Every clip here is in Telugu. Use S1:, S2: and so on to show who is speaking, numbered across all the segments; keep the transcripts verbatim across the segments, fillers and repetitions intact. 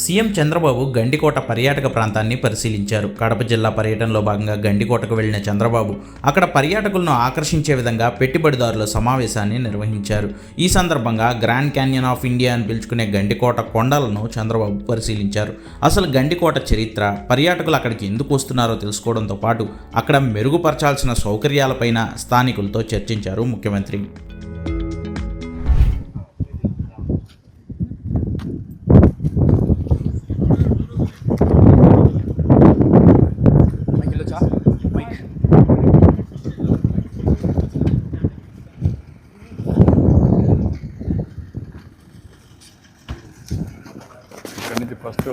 S1: సీఎం చంద్రబాబు గండికోట పర్యాటక ప్రాంతాన్ని పరిశీలించారు. కడప జిల్లా పర్యటనలో భాగంగా గండికోటకు వెళ్లిన చంద్రబాబు అక్కడ పర్యాటకులను ఆకర్షించే విధంగా పెట్టుబడిదారుల సమావేశాన్ని నిర్వహించారు. ఈ సందర్భంగా గ్రాండ్ క్యాన్యన్ ఆఫ్ ఇండియా అని పిలుచుకునే గండికోట కొండలను చంద్రబాబు పరిశీలించారు. అసలు గండికోట చరిత్ర, పర్యాటకులు అక్కడికి ఎందుకు వస్తున్నారో తెలుసుకోవడంతో పాటు అక్కడ మెరుగుపరచాల్సిన సౌకర్యాలపైన స్థానికులతో చర్చించారు ముఖ్యమంత్రి.
S2: ఫస్ట్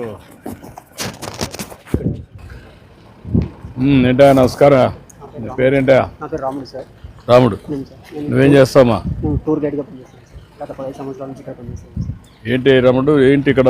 S2: ఏంటా నమస్కారం, నీ పేరేంటా?
S3: నా పేరు రాముడు సార్.
S2: రాముడు, నువ్వేం చేస్తావా?
S3: టూర్ గైడ్గా పనిచేస్తాను సార్. గత పదిహేను సంవత్సరాల నుంచి ఇక్కడ పనిచేస్తాను సార్.
S2: ఏంటి రాముడు, ఏంటి ఇక్కడ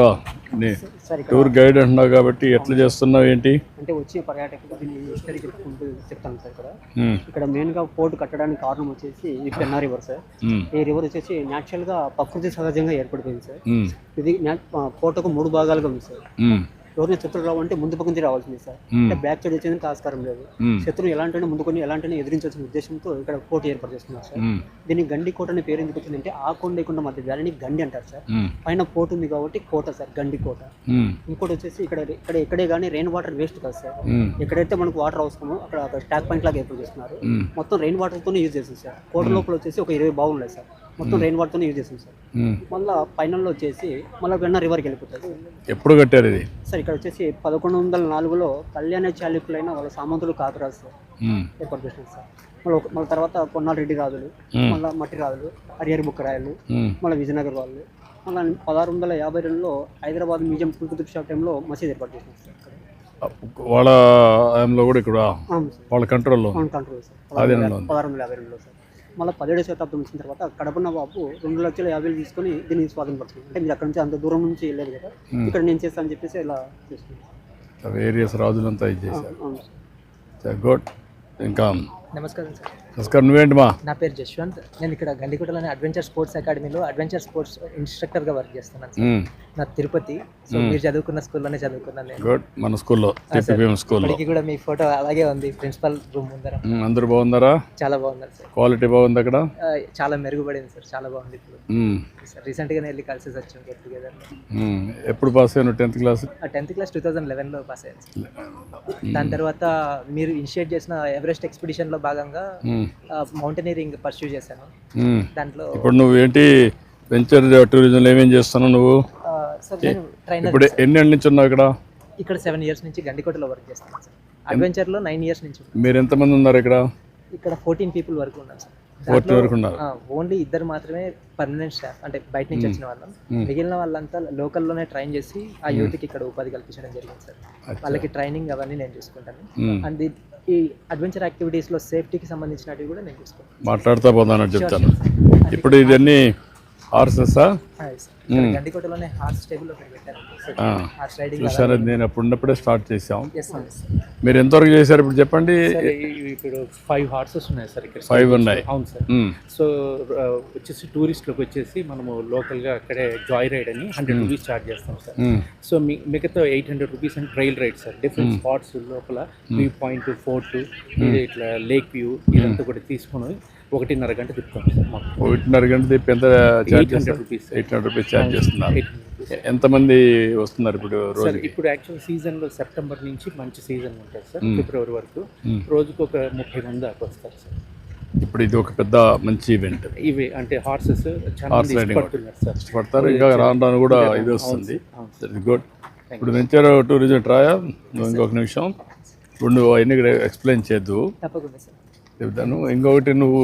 S2: టూర్ గైడ్ అంటున్నావు కాబట్టి ఎట్లా చేస్తున్నావు ఏంటి?
S3: అంటే వచ్చే పర్యాటకులు దీన్ని హిస్టరీ చెప్పుకుంటూ చెప్తాను సార్. ఇక్కడ ఇక్కడ మెయిన్ గా పోర్ట్ కట్టడానికి కారణం వచ్చేసి ఇది పెన్నా రివర్ సార్. ఈ రివర్ వచ్చేసి న్యాచురల్ గా ప్రకృతి సహజంగా ఏర్పడిపోయింది సార్. ఇది పోర్టుకు మూడు భాగాలుగా ఉంది సార్. ఎవరిని శత్రువు రావాలంటే ముందు పక్క నుంచి రావాల్సింది సార్. అంటే బ్యాక్ సైడ్ వచ్చేందుకు ఆస్కారం లేదు. శత్రువు ఎలాంటి ముందుకొని ఎలాంటి ఎదిరించాల్సిన ఉద్దేశంతో ఇక్కడ కోట ఏర్పాటు చేస్తున్నారు సార్. దీన్ని గండి కోట అనే పేరు ఎందుకు వచ్చిందంటే ఆ కొండ కొండ మధ్య దానిని గండి అంటారు సార్. పైన పోర్ట్ ఉంది కాబట్టి కోట సార్, గండి కోట. ఇంకోటి వచ్చేసి ఇక్కడ ఇక్కడ ఎక్కడే కానీ రెయిన్ వాటర్ వేస్ట్ కాదు సార్. ఎక్కడైతే మనకు వాటర్ అవసరమో అక్కడ స్టాక్ పాయింట్ లాగా ఏర్పాటు చేస్తున్నారు. మొత్తం రెయిన్ వాటర్ తోనే యూజ్ చేస్తుంది సార్. కోట లోపల వచ్చేసి ఒక ఇరవై బావులు ఉన్నాయి సార్. మొత్తం రెయిన్ వాటర్ తోనే యూజ్ చేస్తుంది సార్. మళ్ళీ ఫైనల్లో వచ్చేసి మళ్ళీ వెన్న రివర్కి వెళ్ళిపోతుంది.
S2: ఎప్పుడు కట్టారు ఇది
S3: సార్? ఇక్కడ వచ్చేసి పదకొండు వందల నాలుగులో కళ్యాణ చాళుక్యులైన వాళ్ళ సామంతులు కాకరాజు సార్ ఏర్పాటు చేసినారు సార్. మళ్ళీ మళ్ళీ తర్వాత కొన్నాళ్ళ రెడ్డి రాజులు, మళ్ళీ మట్టి రాజులు, హరిహరి బుక్క రాయలు, మళ్ళీ విజయనగర్ వాళ్ళు, మళ్ళీ పదహారు వందల యాభై రెండులో హైదరాబాద్ మ్యూజియం కుతుబ్ షా టైంలో మసీద్ ఏర్పాటు చేసినారు సార్.
S2: వాళ్ళ కూడా ఇక్కడ వాళ్ళ కంట్రోల్లో
S3: కంట్రోల్ సార్ పదహారు వందల యాభై రెండులో సార్. మళ్ళీ పదిహేడు శతాబ్దం వచ్చిన తర్వాత కడప నవాబు రెండు లక్షల యాభై వేలు తీసుకొని దీన్ని స్వాధీనపడుతుంది. అంటే మీరు అక్కడ నుంచి అంత దూరం నుంచి వెళ్ళలేదు కదా, ఇక్కడ నేను చేస్తాను అని చెప్పేసి ఇలా చేస్తున్నాను.
S2: వేరియస్ రాజులంతా ఇది చేశారు. గుడ్. ఇంకా
S3: నమస్కారం సార్.
S2: నమస్కారం. నువ్వేంటి మా?
S3: నా పేరు జశ్వంత్. నేను ఇక్కడ గండికోటలోని అడ్వెంచర్ స్పోర్ట్స్ అకాడమీలో అడ్వెంచర్ స్పోర్ట్స్ ఇన్స్ట్రక్టర్గా వర్క్ చేస్తున్నాను సార్. నా తిరుపతి. సో మీరు చదువుకున్న స్కూల్లోనే చదువుకున్నాను నేను.
S2: గుడ్. మన స్కూల్లో స్కూల్లో
S3: కూడా మీ ఫోటో అలాగే ఉంది ప్రిన్సిపల్ రూమ్ ముందర.
S2: అందరూ బాగున్నారా?
S3: చాలా బాగున్నారు సార్.
S2: క్వాలిటీ బాగుంది అక్కడ?
S3: చాలా మెరుగుపడింది సార్, చాలా బాగుంది. ఇప్పుడు రీసెంట్ గానే వెళ్ళి కలిసి వచ్చాం గెట్ టుగెదర్.
S2: ఎప్పుడు పాస్ అయ్యాను? Tenth class
S3: tenth class two thousand eleven లో పాస్ అయ్యాను. దాని తర్వాత మీరు ఇనిషియేట్ చేసిన ఎవరెస్ట్ ఎక్స్పిడిషన్ లో భాగంగా మౌంటైనరింగ్ పర్స్యూ చేశాను. దాంట్లో
S2: ఇప్పుడు నువ్వు ఏంటి వెంచర్ టూరిజం ఏమేం చేస్తున్నావు నువ్వు? ఇప్పుడు ఎన్ని ఏళ్ళ నుంచి ఉన్నావు ఇక్కడ?
S3: ఇక్కడ సెవెన్ ఇయర్స్ నుంచి గండికోటలో వర్క్ చేస్తున్నాను సార్. అడ్వెంచర్ లో నైన్ ఇయర్స్ నుంచి.
S2: మీరు ఎంతమంది ఉన్నారు ఇక్కడ?
S3: ఇక్కడ ఫోర్టీన్ పీపుల్ వరకు ఉన్నారు సార్.
S2: ఫోర్టీన్ వరకు ఉన్నారు.
S3: ఓన్లీ ఇద్దరు మాత్రమే పర్మనెంట్ స్టాఫ్, అంటే బయట నుంచి వచ్చిన వాళ్ళం. మిగిలిన వాళ్ళంతా లోకల్లోనే ట్రైన్ చేసి ఆ యూత్కి ఇక్కడ ఉపాధి కల్పించడం జరిగింది సార్. వాళ్ళకి ట్రైనింగ్ అవన్నీ నేను చూసుకుంటాను. అండ్ ఈ అడ్వెంచర్ యాక్టివిటీస్ లో సేఫ్టీకి సంబంధించినవి కూడా నేను చూసుకుంటాను.
S2: మాట్లాడుతూ పోతానని చెప్తాను. ఇప్పుడు ఇవన్నీ హార్సెసా?
S3: గండికోటలోనే హార్స్ టేబుల్
S2: చూసారు. నేను అప్పుడు ఉన్నప్పుడే స్టార్ట్ చేసాం. మీరు ఎంతవరకు చేశారు ఇప్పుడు చెప్పండి?
S4: ఇప్పుడు ఫైవ్ హార్సెస్ ఉన్నాయి సార్ ఇక్కడ.
S2: ఫైవ్ ఉన్నాయి.
S4: అవును సార్. సో వచ్చేసి టూరిస్ట్లకు వచ్చేసి మనము లోకల్గా అక్కడే జాయ్ రైడ్ అని హండ్రెడ్ రూపీస్ ఛార్జ్ చేస్తాం సార్. సో మీ మిగతా eight hundred rupees and trail ride sir. Different spots లోపల వ్యూ పాయింట్, ఫోర్ట్, ఇట్లా లేక్ వ్యూ ఇదంతా కూడా తీసుకుని ఒకటిన్నర గంట తిప్పుతాం సార్. మాకు
S2: ఒకటిన్నర గంట తిప్పి ఎంత
S4: eight hundred rupees
S2: eight hundred rupees charge చేస్తున్నారు. ఎంతమంది వస్తున్నారు ఇప్పుడు రోజు?
S4: ఇప్పుడు యాక్చువల్ సీజన్లో సెప్టెంబర్ నుంచి మంచి సీజన్ ఉంటుంది సార్, ఫిబ్రవరి వరకు. రోజుకు ఒక ముప్పై మంది దాకా వస్తారు సార్.
S2: ఇప్పుడు ఇది ఒక పెద్ద మంచి ఈవెంట్.
S4: ఇవి అంటే హార్సెస్
S2: హార్స్ రైడింగ్ ఇష్టపడతారు. ఇంకా రాను రాను కూడా ఇది వస్తుంది. గుడ్. ఇప్పుడు వెంచర్ టూరిజం ట్రాయా నువ్వు ఇంకొక నిమిషం ఇప్పుడు నువ్వు అవన్నీ ఎక్స్ప్లెయిన్ చేద్దు చెప్తాను. ఇంకొకటి నువ్వు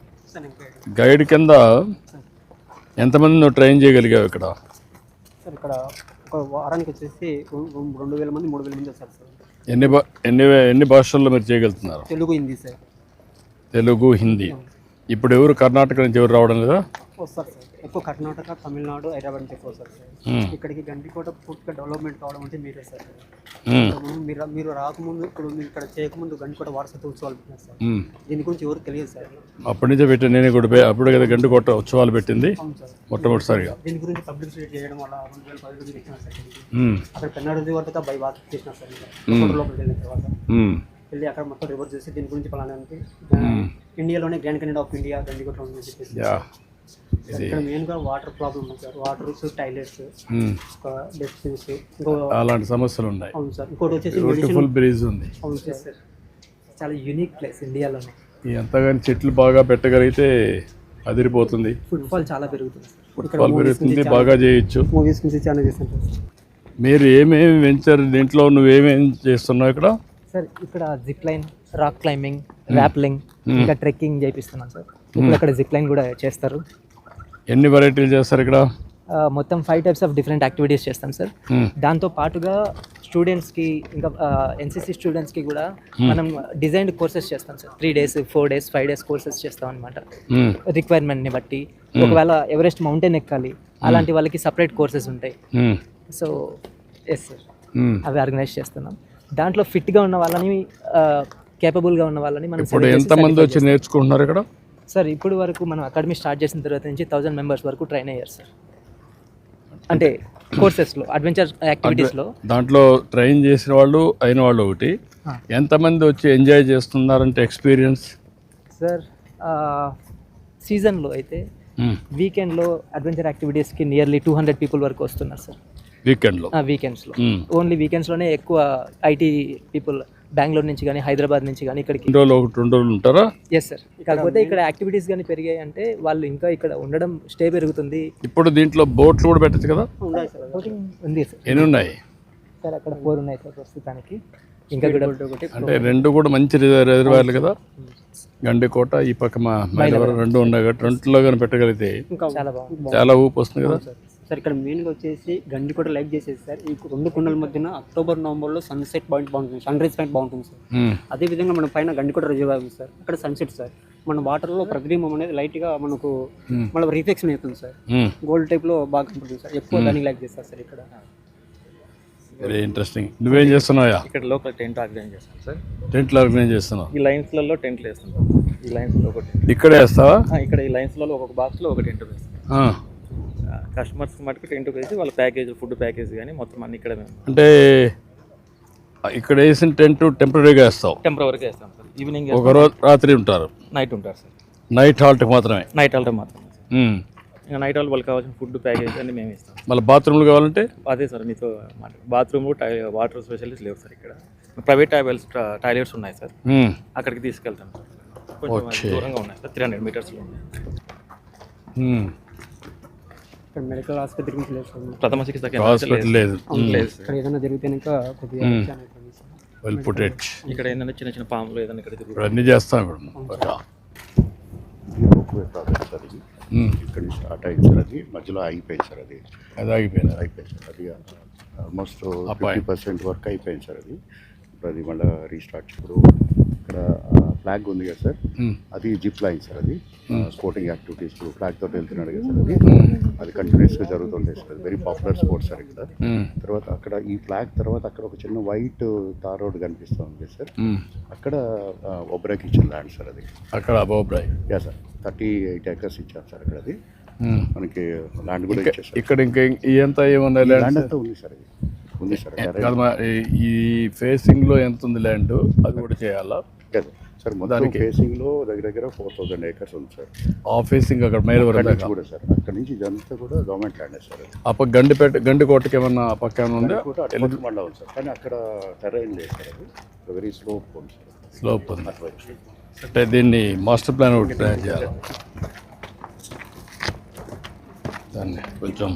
S2: గైడ్ కింద ఎంతమంది నువ్వు ట్రైన్ చేయగలిగావు ఇక్కడ?
S3: సార్ ఇక్కడ ఒక వారానికి వచ్చేసి రెండు వేల మంది మూడు వేల మంది వస్తారు సార్.
S2: ఎన్ని బా ఎన్ని ఎన్ని భాషల్లో మీరు చేయగలుగుతున్నారు?
S3: తెలుగు, హిందీ సార్.
S2: తెలుగు, హిందీ. ఇప్పుడు ఎవరు కర్ణాటక నుంచి ఎవరు రావడం లేదా?
S3: వస్తారు సార్. ఎక్కువ కర్ణాటక, తమిళనాడు, హైదరాబాద్ నుంచి ఎక్కువ వస్తారు సార్.
S2: మ్మ్.
S3: ఇక్కడికి గండికోట పూర్తిగా డెవలప్మెంట్ కావడం అంటే మీరే సార్.
S2: మ్మ్.
S3: ఇంతకుముందు మీరు మీరు రాకముందు ఇప్పుడు మీరు ఇక్కడ చేయకముందు గండికోట వారసత్వ ఉత్సవాలు పెట్టినారు సార్.
S2: మ్మ్.
S3: దీని గురించి ఎవరు తెలియదు సార్.
S2: అప్పటి నుంచే పెట్టి నేను కూడా పోయి- అప్పుడు కదా గంట కొట్ట ఉత్సవాలు పెట్టింది
S3: అవును సార్.
S2: మొట్టమొదటిసారిగా.
S3: దీని గురించి పబ్లిసిటీ చేయడం వల్ల రెండు వేల పది నుంచి పెట్టినారు సార్.
S2: మ్మ్.
S3: అక్కడ పెన్నాడు వరకు బై వాక్ చేసినారు సార్.
S2: మ్మ్.
S3: ఇంకా లోపలికి వెళ్ళిన తర్వాత
S2: మ్మ్.
S3: వెళ్ళి అక్కడ మొత్తం రివర్స్ చేసి దీని గురించి పలానానికి ఇండియాలోనే grand canyon of India Gandikota ఉందని చెప్పేసి.
S2: యా
S3: సార్ ఇక్కడ మెయిన్గా వాటర్ ప్రాబ్లం ఉంది సార్. వాటర్స్, టాయిలెట్స్,
S2: మ్మ్.
S3: డస్ట్బిన్స్, ఇంకో
S2: అలాంటి సమస్యలు ఉన్నాయి.
S3: అవును సార్. ఇంకోటి వచ్చేసి
S2: బ్యూటిఫుల్
S3: మెడిసిన్.
S2: బ్రిడ్జ్ ఉంది.
S3: అవును సార్. చాలా యూనిక్ ప్లేస్ ఇండియాలోనే.
S2: ఈ ఎంతగాని చెట్లు బాగా పెట్టగలిగితే అదిరిపోతుంది.
S3: ఫుట్ఫాల్ చాలా పెరుగుతుంది సార్.
S2: ఫుట్బాల్ పెరుగుతుంది, బాగా చేయొచ్చు.
S3: మూవీస్ నుంచి చాలా చేస్తుంటారు సార్.
S2: మీరు ఏమేమి వెంచర్ దీంట్లో నువ్వేమేమి చేస్తున్నావు ఇక్కడ?
S5: సార్ ఇక్కడ zip line, rock climbing, rappelling, ఇంకా ట్రెక్కింగ్ చేపిస్తున్నాం సార్. ఇప్పుడు అక్కడ జిప్ లైన్ కూడా చేస్తారు.
S2: ఎన్ని వెరైటీలు చేస్తారు ఇక్కడ?
S5: ఆ, మొత్తం five types of different activities చేస్తాం సార్.
S2: మ్మ్.
S5: దాంతో పాటుగా స్టూడెంట్స్కి ఇంకా ఎన్సీసీ స్టూడెంట్స్కి కూడా మనం డిజైన్డ్ కోర్సెస్ చేస్తాం sir. Three days four days five days courses చేస్తాం అనమాట.
S2: మ్మ్.
S5: రిక్వైర్మెంట్ని బట్టి ఒకవేళ ఎవరెస్ట్ మౌంటైన్ ఎక్కాలి అలాంటి వాళ్ళకి సపరేట్ కోర్సెస్ ఉంటాయి.
S2: మ్మ్.
S5: సో ఎస్ సార్,
S2: మ్మ్.
S5: అవి ఆర్గనైజ్ చేస్తున్నాం. దాంట్లో ఫిట్గా ఉన్న వాళ్ళని, కేపబుల్గా ఉన్న వాళ్ళని మనం
S2: ఇప్పుడు
S5: select చేసి
S2: ఎంతమంది
S5: certify
S2: వచ్చి నేర్చుకుంటున్నారు ఇక్కడ?
S5: సార్ ఇప్పుడు వరకు మనం అకాడమీ స్టార్ట్ చేసిన తర్వాత నుంచి థౌజండ్ మెంబర్స్ వరకు ట్రైన్ అయ్యారు సార్. అంటే కోర్సెస్లో, అడ్వెంచర్ యాక్టివిటీస్లో.
S2: దాంట్లో ట్రైన్ చేసిన వాళ్ళు అయిన వాళ్ళు ఒకటి, ఎంతమంది వచ్చి ఎంజాయ్ చేస్తున్నారంటే ఎక్స్పీరియన్స్?
S5: సార్ సీజన్లో అయితే వీకెండ్లో అడ్వెంచర్ యాక్టివిటీస్కి నియర్లీ టూ హండ్రెడ్ పీపుల్ వరకు వస్తున్నారు సార్.
S2: వీకెండ్లో?
S5: వీకెండ్స్లో ఓన్లీ వీకెండ్స్లోనే ఎక్కువ ఐటీ పీపుల్ బెంగళూరు నుంచి కానీ హైదరాబాద్ నుంచి కానీ ఇక్కడికి.
S2: రెండు రోజులు ఒకటి రెండు రోజులు ఉంటారా?
S5: Yes sir. కాకపోతే ఇక్కడ యాక్టివిటీస్ కానీ పెరిగాయి అంటే వాళ్ళు ఇంకా ఇక్కడ ఉండడం, స్టే పెరుగుతుంది.
S2: ఇప్పుడు దీంట్లో బోట్లు కూడా పెట్టచ్చు కదా?
S3: ఉన్నాయి సార్.
S5: బోటింగ్ ఉంది సార్.
S2: ఎన్ని ఉన్నాయి
S5: సార్ అక్కడ ఫోర్ ఉన్నాయి సార్ ప్రస్తుతానికి. ఇంకా కూడా
S2: అంటే రెండు కూడా మంచి రిజర్వ్ రిజర్వాయర్లు కదా. గండికోట ఈ పక్క మా మైలవరం రెండు ఉన్నాయి కాబట్టి రెండులో కానీ పెట్టగలిగితే
S3: ఇంకా
S5: చాలా బాగుంది
S2: చాలా ఊపు వస్తుంది కదా.
S3: సార్ ఇక్కడ మెయిన్గా వచ్చేసి గండికోట లైక్ చేసేది సార్. ఈ రెండు కొండల మధ్యన అక్టోబర్ నవంబర్లో సన్సెట్ పాయింట్ బాగుంటుంది, సన్ రైజ్ పాయింట్ బాగుంటుంది సార్.
S2: మ్మ్.
S3: అదేవిధంగా మన పైన గండికోట రిజర్వాయర్ ఉంది సార్. అక్కడ సన్సెట్ సార్. మన వాటర్లో ప్రతిబింబం అనేది లైట్గా మనకు మళ్ళీ రిఫ్లెక్షన్ అవుతుంది సార్.
S2: మ్మ్.
S3: గోల్డ్ టైప్లో బాగా కనపడుతుంది సార్. ఎక్కువ దానికి లైక్ చేస్తారు సార్ ఇక్కడ.
S2: Very interesting. నువ్వేం చేస్తున్నావా?
S6: ఇక్కడ లోకల్ టెంట్ ఆర్గనైజ్ చేస్తాం సార్.
S2: టెంట్లు ఆర్గనైజ్ చేస్తున్నావు?
S6: ఈ లైన్స్లలో టెంట్లు వేస్తుంటాం. ఈ లైన్స్లో ఒక టెంట్,
S2: ఇక్కడే వేస్తావా?
S6: ఇక్కడ ఈ లైన్స్లలో ఒక్కొక్క బాక్స్లో ఒక టెంట్ వేస్తాం.
S2: ఆ.
S6: కస్టమర్స్కి మటుకు టెంట్ వేసి వాళ్ళ ప్యాకేజ్, ఫుడ్ ప్యాకేజ్ కానీ మొత్తం అన్ని ఇక్కడ మేము
S2: అంటే ఇక్కడ వేసిన టెంట్ టెంపరీగా వేస్తావు?
S6: టెంపరీగా వేస్తాం సార్. ఈవినింగ్
S2: ఒక రోజు రాత్రి ఉంటారు,
S6: నైట్ ఉంటారు సార్.
S2: నైట్ హాల్ట్కి మాత్రమే?
S6: నైట్ హాల్ట్ మాత్రం.
S2: మ్మ్.
S6: ఇంకా నైట్ హాల్ట్ వాళ్ళకి కావాల్సిన ఫుడ్ ప్యాకేజ్ అన్ని మేము ఇస్తాం.
S2: మళ్ళీ బాత్రూమ్లు కావాలంటే?
S6: అదే సార్ మీతో మాట. బాత్రూమ్, టై వాటర్ స్పెషలిస్ట్ లేవు సార్ ఇక్కడ. ప్రైవేట్ టాయిలెట్స్ టాయిలెట్స్ ఉన్నాయి సార్.
S2: మ్మ్.
S6: అక్కడికి తీసుకెళ్తాం సార్. కొంచెం దూరంగా ఉన్నాయి సార్, త్రీ హండ్రెడ్ మీటర్స్లో ఉన్నాయి.
S2: మ్మ్.
S3: ఇక్కడ మెడికల్ ఆసుపత్రి నుంచి లేదు సార్.
S6: ప్రథమ చికిత్స కేంద్రం
S2: హాస్పిటల్ లేదు.
S6: లేదు సార్.
S3: ఇక్కడ ఏదైనా జరిగితే ఇంకా కొద్దిగా చాలా ఇబ్బంది సార్.
S2: Well put it.
S6: ఇక్కడ ఏంటంటే చిన్న చిన్న పాములు ఏదైనా ఇక్కడ తిరుగుతాయి.
S2: ఇప్పుడు అన్నీ చేస్తాం ఇప్పుడు.
S7: రోప్వే ప్రాజెక్ట్ సార్ ఇది.
S2: మ్మ్.
S7: ఇక్కడ నుంచి స్టార్ట్ అయింది సార్. అది మధ్యలో ఆగిపోయింది సార్. అది
S2: అది ఆగిపోయింది.
S7: అయిపోయింది సార్. అది ఆల్మోస్ట్
S2: అబ్బాయి.
S7: ఫిఫ్టీ పర్సెంట్ వర్క్ అయిపోయింది సార్. అది ఇప్పుడు అది మళ్ళీ రీస్టార్ట్. ఇప్పుడు ఇక్కడ ఫ్లాగ్ ఉంది కదా సార్,
S2: మ్మ్.
S7: అది జిప్ లైన్ సార్. అది స్పోర్టింగ్ యాక్టివిటీస్ ఫ్లాగ్ తోటి వెళ్తున్నాడు కదా సార్. అది అది కంటిన్యూస్గా జరుగుతుంటాయి sir. Very popular sport sir ఇక్కడ.
S2: మ్మ్.
S7: తర్వాత అక్కడ ఈ ఫ్లాగ్ తర్వాత అక్కడ ఒక చిన్న వైట్ తార్ రోడ్ కనిపిస్తూ ఉంది సార్.
S2: మ్మ్.
S7: అక్కడ ఒబ్రాకి ఇచ్చిన ల్యాండ్ సార్. అది
S2: అక్కడ అబోబ్రాయ్.
S7: Yeah sir, thirty eight acres ఇచ్చారు సార్ అక్కడ. అది
S2: మ్మ్.
S7: మనకి ల్యాండ్ కూడా ఇచ్చేసారు.
S2: ఇక్కడ ఇంకా ఇదంతా ఏముంది
S7: ల్యాండ్
S2: ల్యాండ్?
S7: అంతా ఉంది సార్. ఇది ఉంది సార్.
S2: కాదు మా ఈ- ఈ ఫేసింగ్లో ఎంత ఉంది ల్యాండ్, అది కూడా చేయాలా?
S7: కదా సార్, మొత్తం
S2: దానికి-
S7: ఫేసింగ్ లో దగ్గర దగ్గర ఫోర్ థౌసండ్ ఏకర్స్ ఉంది సార్.
S2: ఆ ఫేసింగ్ అక్కడ మైలవరం
S7: అక్కడి నుంచి
S2: దాకా.
S7: కూడా సార్, అక్కడ నుంచి ఇదంతా కూడా గవర్నమెంట్ ల్యాండ్ సార్. అది
S2: ఆ పక్క గండిపేట గండికోటకి ఏమన్నా ఆ పక్క ఏమన్నా ఉందా?
S7: కూడా అటు మండలం ఉంది సార్, కానీ అక్కడ టెరైన్ లేదు సార్. అది వెరీ స్లోప్ ఉంది సార్.
S2: స్లోప్ ఉంది.
S7: అటువైపు
S2: అంటే దీన్ని మాస్టర్ ప్లాన్ ఒకటి ప్లాన్ చేయాలి. దాన్ని కొంచెం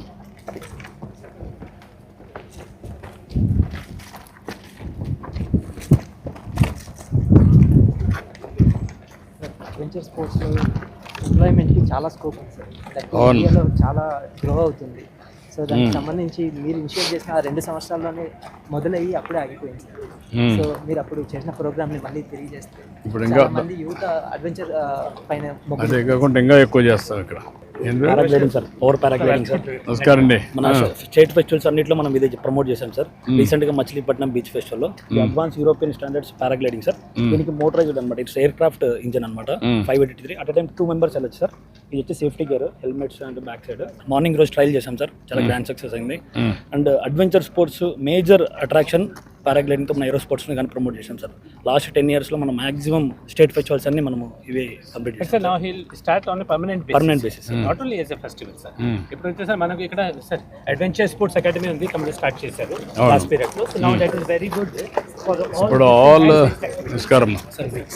S5: అడ్వెంచర్ స్పోర్ట్స్లో ఎంప్లాయ్మెంట్కి చాలా స్కోప్ ఉంది సార్. దట్
S2: అవును.
S5: ఇండియాలో చాలా గ్రో అవుతుంది. సో దానికి సంబంధించి మీరు ఇనిషియేట్ చేసిన ఆ రెండు సంవత్సరాల్లోనే మొదలయ్యి అప్పుడే ఆగిపోయింది సార్.
S2: మ్మ్.
S5: సో మీరు అప్పుడు చేసిన ప్రోగ్రామ్ని మళ్ళీ తిరిగి చేస్తే
S2: ఇప్పుడు ఇంకా
S5: చాలా మంది యువత అడ్వెంచర్ పైన మొగ్గు
S2: అదే కాకుండా ఇంకా ఎక్కువ చేస్తాం ఇక్కడ. ఏంది?
S8: Paragliding sir, power paragliding sir.
S2: నమస్కారం అండి.
S8: మన స్టేట్ ఫెస్టివల్స్ అన్నింటిలో మనం ఇది ప్రమోట్ చేశాం సార్. రీసెంట్ గా మచిలీపట్నం బీచ్ ఫెస్టివల్ లో advance European standards paragliding sir. దీనికి మోటరైజ్డ్ అనమాట, ఇట్స్ ఎయిర్ క్రాఫ్ట్ ఇంజన్ అనమాట. Five eighty three at time two members వెళ్ళచ్చు సార్. ఇది వచ్చి safety gear, helmets and back side. Morning రోజు ట్రైల్ చేశాం సార్, చాలా గ్రాండ్ సక్సెస్ అయింది. And adventure sports major attraction paragliding తో మన ఏరో స్పోర్ట్స్ ని కానీ ప్రమోట్ చేశాం సార్. లాస్ట్ టెన్ ఇయర్స్ లో మనం మాక్సిమం స్టేట్ ఫెస్టివల్స్ అన్ని మనం ఇవి కంప్లీట్ చేసాం.
S4: Sir, now he'll start on a permanent basis.
S8: Permanent basis, sir.
S4: Not only as a festival, sir. ఇప్పుడు వచ్చేసరి మనకి ఇక్కడ సార్ అడ్వెంచర్ స్పోర్ట్స్ అకాడమీ ఉంది, కంప్లీట్ స్టార్ట్ చేశారు లాస్ట్ పీరియడ్ లో. So now that is very good for
S2: ఇప్పుడు ఆల్ నమస్కారం.
S4: సర్వీస్.